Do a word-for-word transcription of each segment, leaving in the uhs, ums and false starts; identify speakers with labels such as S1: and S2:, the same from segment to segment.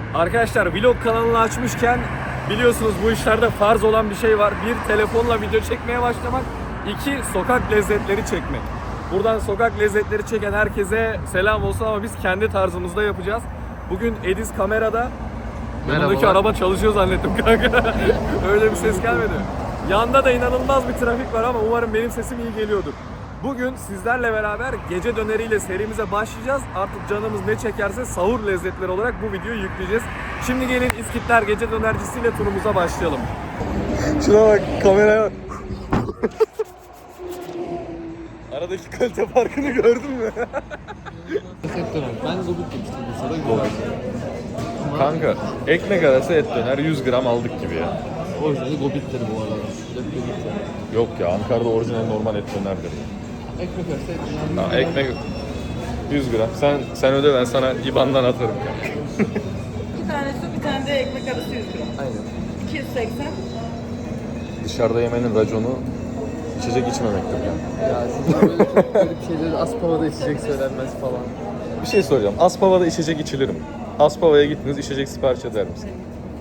S1: Arkadaşlar vlog kanalını açmışken biliyorsunuz bu işlerde farz olan bir şey var. Bir, telefonla video çekmeye başlamak. İki, sokak lezzetleri çekmek. Buradan sokak lezzetleri çeken herkese selam olsun ama biz kendi tarzımızda yapacağız. Bugün Ediz kamerada. Yanındaki araba çalışıyor zannettim kanka. Öyle bir ses gelmedi. Yanda da inanılmaz bir trafik var ama umarım benim sesim iyi geliyordur. Bugün sizlerle beraber gece döneriyle serimize başlayacağız. Artık canımız ne çekerse sahur lezzetleri olarak bu videoyu yükleyeceğiz. Şimdi gelin İskitler Gece Dönercisiyle turumuza başlayalım. Şuna bak, kameraya bak. Aradaki kalite farkını gördün mü?
S2: Ben gobit demiştim bu sırada gobit.
S1: Kanka, ekmek arası et döner yüz gram aldık gibi ya.
S2: Orijinali gobittir bu arada.
S1: Yok ya, Ankara'da orijinal normal et dönerdir.
S2: Ekmek arası et döner.
S1: Ha, ekmek yüz gram. Sen sen öde, ben sana I B A N'dan atarım kanka.
S3: Bir tane su, bir tane de ekmek arası yüz gram.
S2: Aynen.
S3: iki yüz seksen.
S1: Dışarıda yemenin raconu içecek içmemektir yani.
S2: Ya sizin böyle çok garip şeyleri Aspava'da içecek söylenmez falan.
S1: Bir şey soracağım. Aspava'da içecek içilir mi? Aspava'ya gittiniz, içecek sipariş eder misin?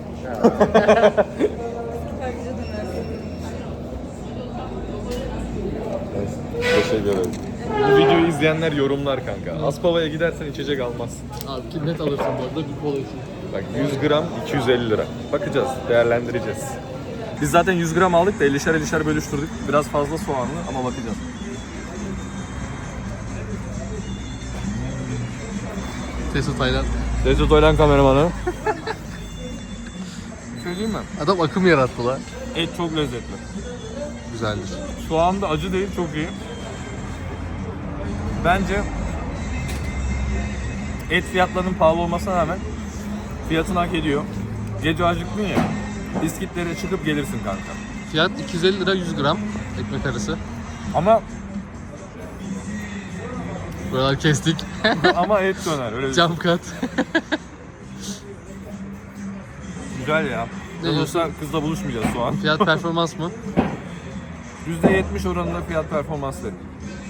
S3: Sadece döner.
S1: Teşekkür ederim. Bu videoyu izleyenler yorumlar kanka. Aspava'ya gidersen içecek almazsın.
S2: Abi ki net alırsın bu arada bir kola için.
S1: Bak yüz gram iki yüz elli lira. Bakacağız, değerlendireceğiz. Biz zaten yüz gram aldık da ellişer ellişer bölüştürdük. Biraz fazla soğanlı ama bakacağız.
S2: Teso Taylan.
S1: Recep Oylan kameramanı. Söyleyeyim mi?
S2: Adam akım yarattı lan.
S1: Et çok lezzetli.
S2: Güzeldir.
S1: Soğan da acı değil, çok iyi. Bence et fiyatlarının pahalı olmasına rağmen fiyatını hak ediyor. Gece acıktın ya, İskitlere çıkıp gelirsin kanka.
S2: Fiyat iki yüz elli lira yüz gram ekmek arası.
S1: Ama
S2: Buralar kestik.
S1: ama et döner öyle.
S2: Cam kat.
S1: Güzel ya.
S2: Ne
S1: Olursa kızla buluşmayacağız şu an.
S2: Fiyat performans mı?
S1: yüzde yetmiş oranında fiyat performans dedim.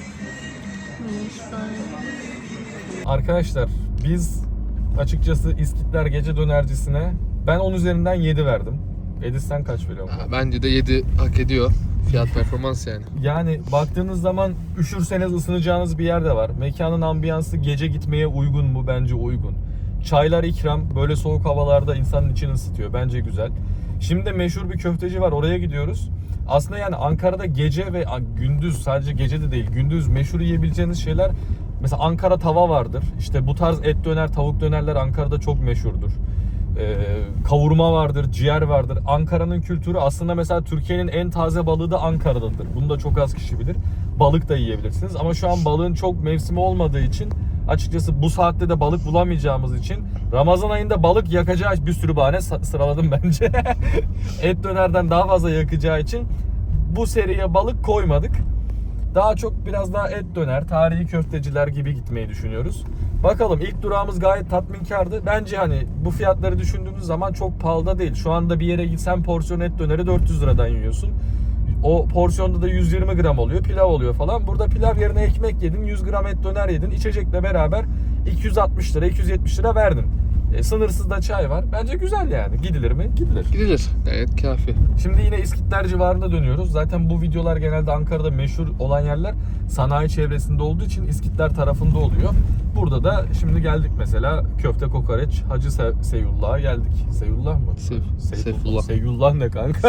S1: Arkadaşlar biz açıkçası İskitler Gece Dönercisi'ne ben on üzerinden yedi verdim. Ediz sen kaç veriyorsun?
S2: Bence de yedi hak ediyor. Fiyat performans yani.
S1: Yani baktığınız zaman üşürseniz ısınacağınız bir yer de var. Mekanın ambiyansı gece gitmeye uygun mu? Bence uygun. Çaylar ikram. Böyle soğuk havalarda insanın içini ısıtıyor. Bence güzel. Şimdi de meşhur bir köfteci var. Oraya gidiyoruz. Aslında yani Ankara'da gece ve gündüz, sadece gece de değil, gündüz meşhur yiyebileceğiniz şeyler. Mesela Ankara tava vardır. İşte bu tarz et döner, tavuk dönerler Ankara'da çok meşhurdur. Ee, kavurma vardır, ciğer vardır. Ankara'nın kültürü aslında mesela Türkiye'nin en taze balığı da Ankara'dadır. Bunu da çok az kişi bilir. Balık da yiyebilirsiniz ama şu an balığın çok mevsimi olmadığı için açıkçası bu saatte de balık bulamayacağımız için Ramazan ayında balık yakacağı bir sürü bahane sıraladım bence. Et dönerden daha fazla yakacağı için bu seriye balık koymadık. Daha çok biraz daha et döner, tarihi köfteciler gibi gitmeyi düşünüyoruz. Bakalım, ilk durağımız gayet tatminkardı. Bence hani bu fiyatları düşündüğünüz zaman çok pahalı da değil. Şu anda bir yere gitsen porsiyon et döneri dört yüz liradan yiyorsun. O porsiyonda da yüz yirmi gram oluyor, pilav oluyor falan. Burada pilav yerine ekmek yedin, yüz gram et döner yedin. İçecekle beraber iki yüz altmış lira, iki yüz yetmiş lira verdin. E, sınırsız da çay var. Bence güzel yani. Gidilir mi? Gidilir.
S2: Gidilir. Gayet kafi.
S1: Şimdi yine İskitler civarında dönüyoruz. Zaten bu videolar genelde Ankara'da meşhur olan yerler sanayi çevresinde olduğu için İskitler tarafında oluyor. Burada da şimdi geldik mesela köfte kokoreç Hacı Se Seyullah'a geldik. Seyullah mı?
S2: Sev
S1: Seyfullah.
S2: Seyfullah.
S1: Seyullah ne kanka?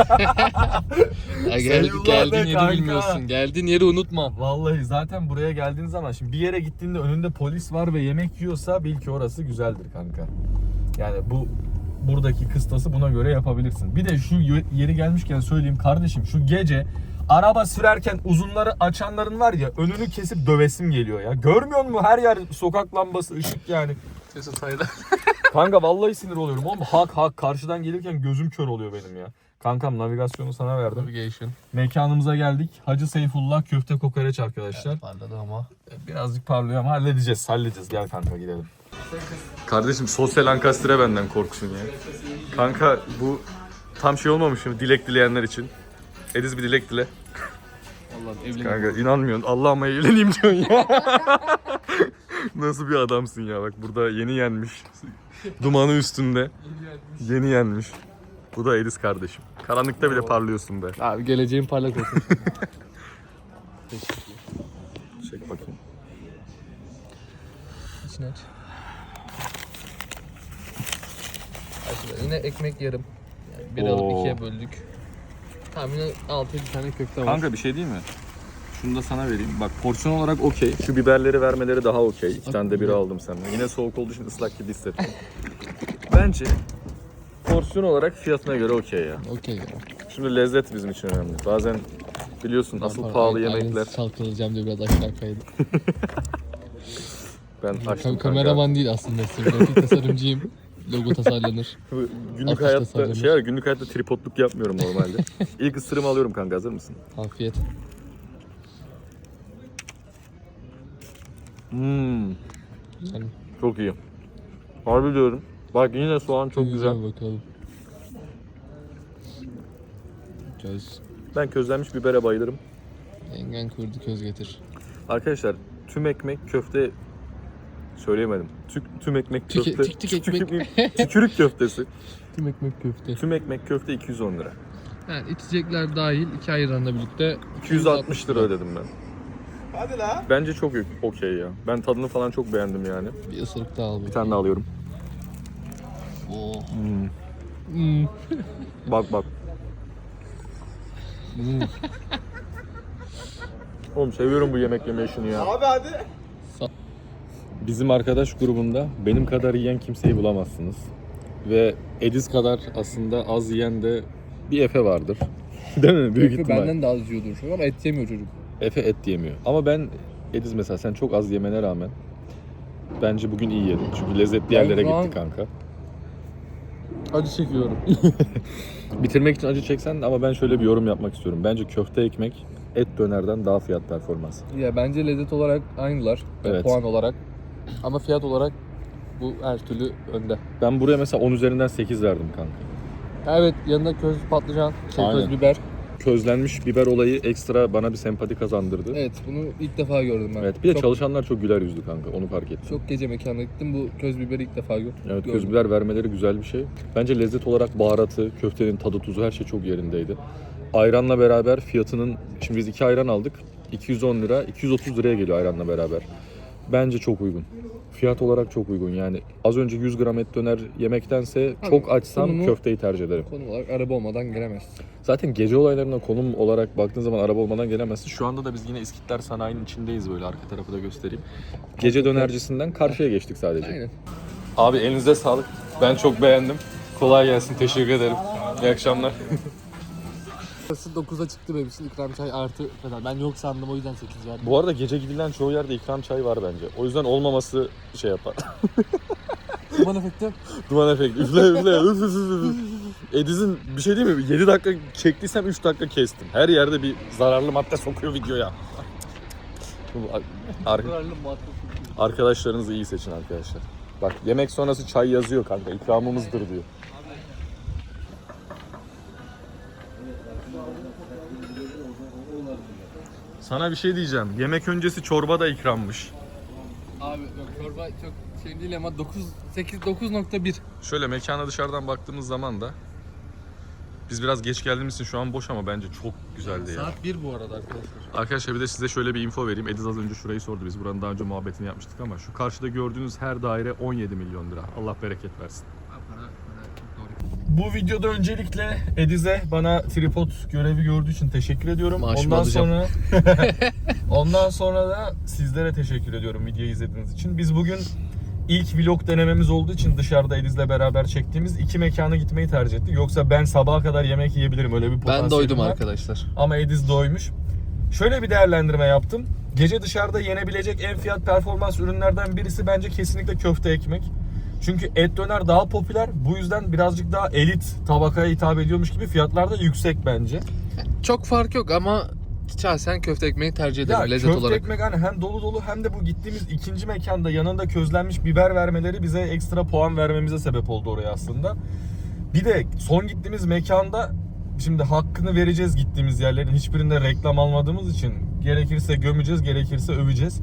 S2: Ya geldik,
S1: Seyullah
S2: geldiğin
S1: ne
S2: yeri
S1: kanka?
S2: bilmiyorsun. Geldiğin yeri unutma.
S1: Vallahi zaten buraya geldiğin zaman şimdi bir yere gittiğinde önünde polis var ve yemek yiyorsa bil ki orası güzeldir kanka. Yani bu buradaki kıstası buna göre yapabilirsin. Bir de şu yeri gelmişken söyleyeyim kardeşim, şu gece araba sürerken uzunları açanların var ya, önünü kesip dövesim geliyor ya. Görmüyor musun? Her yer sokak lambası, ışık yani.
S2: Teso Taylan.
S1: Kanka vallahi sinir oluyorum oğlum. Hak hak karşıdan gelirken gözüm kör oluyor benim ya. Kankam navigasyonu sana verdim.
S2: Navigation.
S1: Mekanımıza geldik. Hacı Seyfullah köfte kokoreç arkadaşlar.
S2: Evet, parladı ama.
S1: Birazcık parlıyor ama halledeceğiz, halledeceğiz. Gel kanka gidelim. Kardeşim sosyal ankastre benden korksun ya. Kanka bu tam şey olmamış mı dilek dileyenler için? Ediz bir dilek dile.
S2: Allah'ım evlenin.
S1: Kanka inanmıyorsun. Allah'ıma evleneyim diyorsun ya. Nasıl bir adamsın ya, bak burada yeni yenmiş. Dumanı üstünde. Yeni yenmiş. Bu da Ediz kardeşim. Karanlıkta bile parlıyorsun be.
S2: Abi geleceğin parlak olsun.
S1: Çek bakayım.
S2: İçine aç. Aç. Yine ekmek yarım. Yani bir alıp
S1: Oo.
S2: ikiye böldük. Tamam yine altı yedi tane köfte var.
S1: Kanka bir şey değil mi? Şunu da sana vereyim. Bak porsiyon olarak okey. Şu biberleri vermeleri daha okey. İki tane de biri aldım senden. Yine soğuk olduğu için ıslak gibi hissettim. Bence porsiyon olarak fiyatına göre okey ya.
S2: Okey ya.
S1: Şimdi lezzet bizim için önemli. Bazen biliyorsun asıl
S2: Pardon,
S1: pahalı
S2: aynen
S1: yemekler.
S2: çalkalayacağım diye biraz aşağı kaydım.
S1: Ben
S2: Kam-
S1: açtım kanka.
S2: kameraman değil aslında. Grafik tasarımcıyım. Logo tasarlanır.
S1: Günlük
S2: Atış
S1: hayatta
S2: tasarlanır.
S1: şey var, günlük hayatta tripodluk yapmıyorum normalde. İlk ısırımı alıyorum kanka, hazır mısın?
S2: Afiyet.
S1: Hmm,
S2: Yani
S1: çok iyi. Harbi diyorum. Bak yine soğan çok güzel.
S2: Bakalım. Göz.
S1: Ben közlenmiş bibere bayılırım.
S2: Yengen kurdu köz getir.
S1: Arkadaşlar tüm ekmek köfte söyleyemedim. Tük, tüm ekmek
S2: Tük-
S1: köfte.
S2: tük- tük ekmek.
S1: Tükürük köftesi.
S2: Tüm ekmek köfte.
S1: Tüm ekmek köfte iki yüz on lira.
S2: Yani içecekler dahil iki ayranla birlikte
S1: iki yüz altmış lira ödedim ben.
S4: Hadi la.
S1: Bence çok okey ya. Ben tadını falan çok beğendim yani.
S2: Bir ısırık daha al.
S1: Bir tane daha alıyorum.
S2: Oh.
S1: Hmm.
S2: Hmm.
S1: Bak bak. Hmm. Oğlum seviyorum bu yemek yeme işini ya.
S4: Abi hadi.
S1: Bizim arkadaş grubunda benim kadar yiyen kimseyi bulamazsınız. Ve Ediz kadar aslında az yiyen de bir Efe vardır. Değil mi? Büyük
S2: Efe
S1: ihtimal.
S2: benden de az yiyordur şu an ama et yemiyor çocuk.
S1: Efe et yemiyor. Ama ben Ediz mesela sen çok az yemene rağmen bence bugün iyi yedin. Çünkü lezzetli yerlere
S2: şu an-
S1: gitti kanka.
S2: Acı çekiyorum.
S1: Bitirmek için acı çeksen de ama ben şöyle bir yorum yapmak istiyorum. Bence köfte ekmek et dönerden daha fiyat performans.
S2: Ya bence lezzet olarak aynılar.
S1: Evet.
S2: Puan olarak. Ama fiyat olarak bu her türlü önde.
S1: Ben buraya mesela on üzerinden sekiz verdim kanka.
S2: Evet yanında köz patlıcan, şey,
S1: Aynen.
S2: köz biber.
S1: Közlenmiş biber olayı ekstra bana bir sempati kazandırdı.
S2: Evet bunu ilk defa gördüm ben.
S1: Evet, bir de
S2: çok,
S1: çalışanlar çok güler yüzlü kanka, onu fark ettim.
S2: çok gece mekana gittim, bu köz biberi ilk defa gördüm.
S1: Evet,
S2: gördüm.
S1: köz biber vermeleri güzel bir şey. Bence lezzet olarak baharatı, köftenin tadı, tuzu her şey çok yerindeydi. Ayranla beraber fiyatının, şimdi biz iki ayran aldık. iki yüz on lira, iki yüz otuz liraya geliyor ayranla beraber. Bence çok uygun. Fiyat olarak çok uygun yani. Az önce yüz gram et döner yemektense
S2: Abi,
S1: çok açsam
S2: konumu-
S1: köfteyi tercih ederim.
S2: Konum olarak araba olmadan giremezsin.
S1: Zaten gece olaylarına konum olarak baktığın zaman araba olmadan gelemezsin. Şu anda da biz yine İskitler Sanayi'nin içindeyiz, böyle arka tarafı da göstereyim. Gece dönercisinden karşıya geçtik sadece.
S2: Aynen.
S1: Abi elinize sağlık. Ben çok beğendim. Kolay gelsin. Teşekkür ederim. İyi akşamlar.
S2: Burası dokuza çıktı benim için, ikram çay artı kadar. Ben yok sandım o yüzden sekiz verdim.
S1: Bu arada gece gidilen çoğu yerde ikram çayı var bence. O yüzden olmaması şey yapar.
S2: Duman efekti.
S1: Duman efekti. Üfle üfle. Üf, üf, üf, üf. Ediz'in bir şey değil mi? yedi dakika çektiysem üç dakika kestim. Her yerde bir zararlı madde sokuyor videoya. Ar- Arkadaşlarınızı iyi seçin arkadaşlar. Bak yemek sonrası çay yazıyor kanka. İkramımızdır diyor. Sana bir şey diyeceğim. Yemek öncesi çorba da ikrammış.
S2: Abi yok çorba çok şey değil ama dokuz, sekiz, dokuz nokta bir.
S1: Şöyle mekana dışarıdan baktığımız zaman da biz biraz geç geldiğimiz için şu an boş ama bence çok güzeldi ya.
S2: Saat bir bu arada arkadaşlar.
S1: Arkadaşlar bir de size şöyle bir info vereyim. Ediz az önce şurayı sordu. Biz buranın daha önce muhabbetini yapmıştık ama şu karşıda gördüğünüz her daire on yedi milyon lira. Allah bereket versin.
S2: Para, para çok doğru.
S1: Bu videoda öncelikle Ediz'e bana tripod görevi gördüğü için teşekkür ediyorum.
S2: Maaşımı
S1: ondan
S2: alacağım.
S1: sonra ondan sonra da sizlere teşekkür ediyorum videoyu izlediğiniz için. Biz bugün ilk vlog denememiz olduğu için dışarıda Ediz'le beraber çektiğimiz iki mekana gitmeyi tercih ettik. Yoksa ben sabaha kadar yemek yiyebilirim, öyle bir potansiyelim
S2: Ben doydum
S1: var.
S2: arkadaşlar.
S1: Ama Ediz doymuş. Şöyle bir değerlendirme yaptım. Gece dışarıda yenebilecek en fiyat performans ürünlerden birisi bence kesinlikle köfte ekmek. Çünkü et döner daha popüler. Bu yüzden birazcık daha elit tabakaya hitap ediyormuş gibi fiyatlar da yüksek bence.
S2: Çok fark yok ama şahsen köfte ekmeği tercih ederim
S1: Ya
S2: lezzet
S1: köfte
S2: olarak.
S1: ekmek hani hem dolu dolu hem de bu gittiğimiz ikinci mekanda yanında közlenmiş biber vermeleri bize ekstra puan vermemize sebep oldu oraya aslında. Bir de son gittiğimiz mekanda şimdi hakkını vereceğiz, gittiğimiz yerlerin hiçbirinde reklam almadığımız için gerekirse gömeceğiz, gerekirse öveceğiz.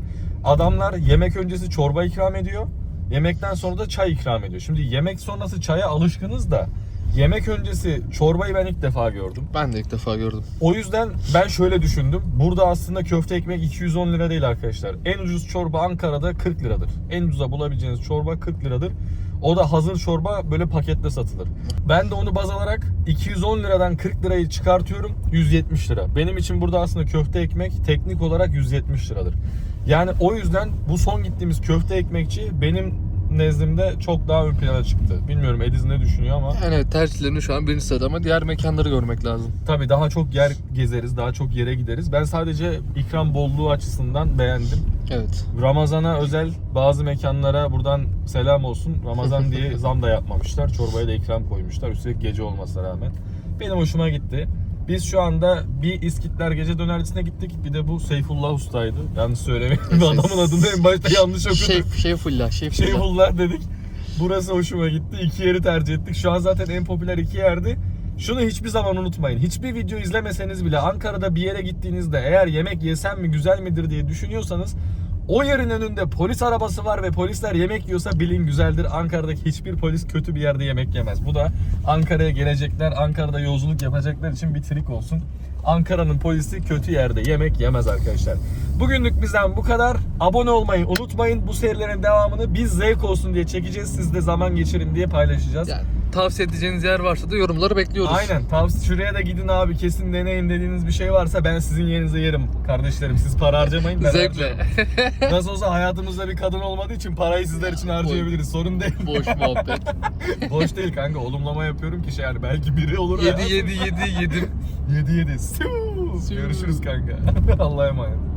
S1: adamlar yemek öncesi çorba ikram ediyor. Yemekten sonra da çay ikram ediyor. Şimdi yemek sonrası çaya alışkınız da yemek öncesi çorbayı ben ilk defa gördüm.
S2: Ben de ilk defa gördüm.
S1: O yüzden ben şöyle düşündüm. Burada aslında köfte ekmek iki yüz on lira değil arkadaşlar. En ucuz çorba Ankara'da kırk liradır. En ucuza bulabileceğiniz çorba kırk liradır. O da hazır çorba böyle pakette satılır. Ben de onu baz alarak iki yüz on liradan kırk lirayı çıkartıyorum, yüz yetmiş lira. Benim için burada aslında köfte ekmek teknik olarak yüz yetmiş liradır. Yani o yüzden bu son gittiğimiz köfte ekmekçi benim nezdimde çok daha ön plana çıktı. Bilmiyorum Ediz ne düşünüyor ama.
S2: Yani evet, tercihlerini şu an birinci sırada ama diğer mekanları görmek lazım.
S1: Tabii daha çok yer gezeriz, daha çok yere gideriz. Ben sadece ikram bolluğu açısından beğendim.
S2: Evet.
S1: Ramazan'a özel bazı mekanlara buradan selam olsun. Ramazan diye zam da yapmamışlar. Çorbaya da ikram koymuşlar. Üstelik gece olmasına rağmen. Benim hoşuma gitti. Biz şu anda bir İskitler Gece Dönercisi'ne gittik. Bir de bu Seyfullah Usta'ydı. Yanlış söylemeyin. Adamın adını en başta yanlış okudum.
S2: Şef, Şefullah, Şefullah.
S1: Şeyhullah dedik. Burası hoşuma gitti. İki yeri tercih ettik. Şu an zaten en popüler iki yerdi. Şunu hiçbir zaman unutmayın. Hiçbir video izlemeseniz bile Ankara'da bir yere gittiğinizde eğer yemek yesem mi güzel midir diye düşünüyorsanız o yerin önünde polis arabası var ve polisler yemek yiyorsa bilin güzeldir. Ankara'daki hiçbir polis kötü bir yerde yemek yemez. Bu da Ankara'ya gelecekler, Ankara'da yolculuk yapacaklar için bir trik olsun. Ankara'nın polisi kötü yerde yemek yemez arkadaşlar. Bugünlük bizden bu kadar. Abone olmayı unutmayın. Bu serilerin devamını biz zevk olsun diye çekeceğiz. Siz de zaman geçirin diye paylaşacağız.
S2: Yani tavsiye edeceğiniz yer varsa da yorumları bekliyoruz.
S1: Aynen. Tavsiye şuraya da gidin abi, kesin deneyin dediğiniz bir şey varsa ben sizin yerinize yerim kardeşlerim. Siz para harcamayın. Ben
S2: Zevkle.
S1: harcarım. Nasıl olsa hayatımızda bir kadın olmadığı için parayı sizler için harcayabiliriz. Sorun değil.
S2: Boş muhabbet.
S1: Boş değil kanka. Olumlama yapıyorum ki şey yani belki biri olur.
S2: Yedi yedi yedi yedim.
S1: yedi yedi. Görüşürüz kanka. Allah'a emanet.